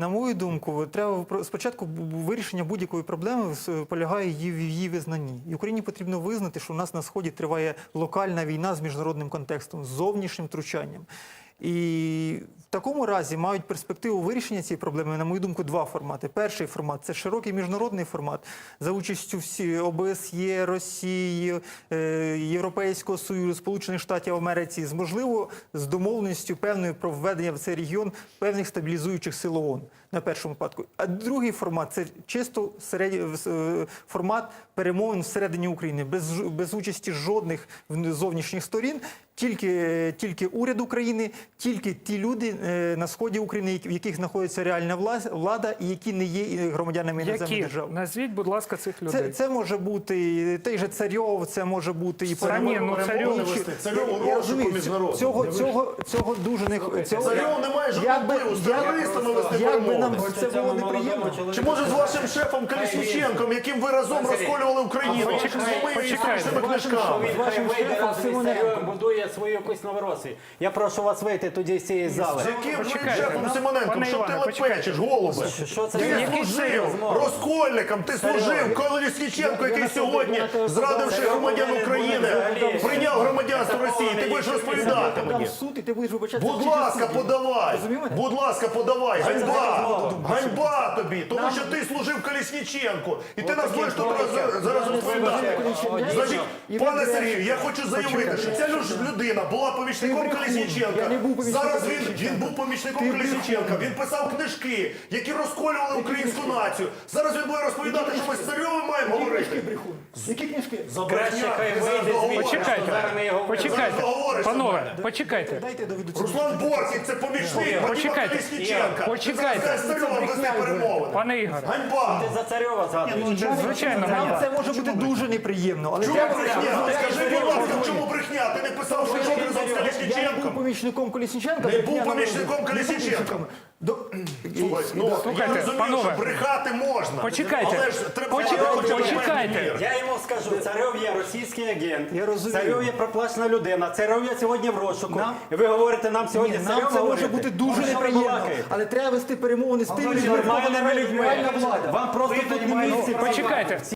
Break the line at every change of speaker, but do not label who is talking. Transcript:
На мою думку, треба спочатку вирішення будь-якої проблеми полягає в її визнанні. І Україні потрібно визнати, що у нас на Сході триває локальна війна з міжнародним контекстом, з зовнішнім втручанням. І в такому разі мають перспективу вирішення цієї проблеми, на мою думку, два формати. Перший формат – це широкий міжнародний формат за участю всі ОБСЄ, Росії, Європейського Союзу, Сполучених Штатів Америки, можливо, з домовленістю певною про введення в цей регіон певних стабілізуючих сил ООН на першому випадку. А другий формат – це чисто формат перемовин всередині України, без участі жодних зовнішніх сторін, тільки уряд України, тільки ті люди на сході України, в яких знаходиться реальна влада і які не є громадянами іноземних держав.
Назвіть, будь ласка, цих людей.
Це може бути той же Царьов, це може бути і
Царьов у розшуку міжнародному.
Цього дуже не
Царьов не має жодного впливу, з терористами вести перемовини.
Це було неприємно.
Чи може з вашим шефом Колесніченком, яким ви разом розколювали Україну, з моїми історичними книжками?
Царьов будує свою якусь Новоросію. Я прошу вас вийти тоді з цієї зали.
З яким шефом Симоненком? Що ти лепечеш, голубе? Ти служив розкольником, ти служив Колесніченку, який сьогодні, зрадивши громадян України, прийняв громадянство Росії. Ти будеш розповідати мені. Будь ласка, подавай. Будь ласка, подавай. Ганьба. Ганьба тобі. Тому що ти служив Колесніченку. І ти нас будеш тут зараз розповідати. Значить, пане Сергію, я хочу заявити, що ця людина була помічником Колесніченка. Зараз він був помічником Колесніченка. Він писав книжки, які розколювали українську націю. Зараз він буде розповідати, що ми з Царьовим маємо говорити.
Які книжки?
Краще хай вийде звідси.
Почекайте, панове, почекайте.
Дайте доведу.
Руслан Бортник – це помічник Вадима Колесніченка.
Почекайте.
З Царьовим вести перемовини.
Пане Ігоре,
Ганьба.
Ти за Царьова згадуєш.
звичайно,
Нам
ганьба.
це може бути дуже неприємно. Але
Чому брехня? Скажи, будь ласка, в чому брехня? Ти не писав, що йшов разом з
я не був
Колесніченком?
помічником Колесніченка.
Не був помічником Колесніченка. Слухай, я
Слухайте,
розумію,
панове.
що брехати можна.
Почекайте.
Але ж треба
Почекайте.
Я йому скажу, Царьов є російський агент,
Я розумію.
Царьов є проплачена людина, Царьов є сьогодні в розшуку. І ви говорите нам сьогодні з
Нам
Царьовим
це може
говорити?
бути дуже
Про що ви
неприємно.
балакаєте?
Але треба вести перемовини з тими людьми,
Нормальними
реальна
людьми.
влада.
Вам просто тут не місце.
Почекайте.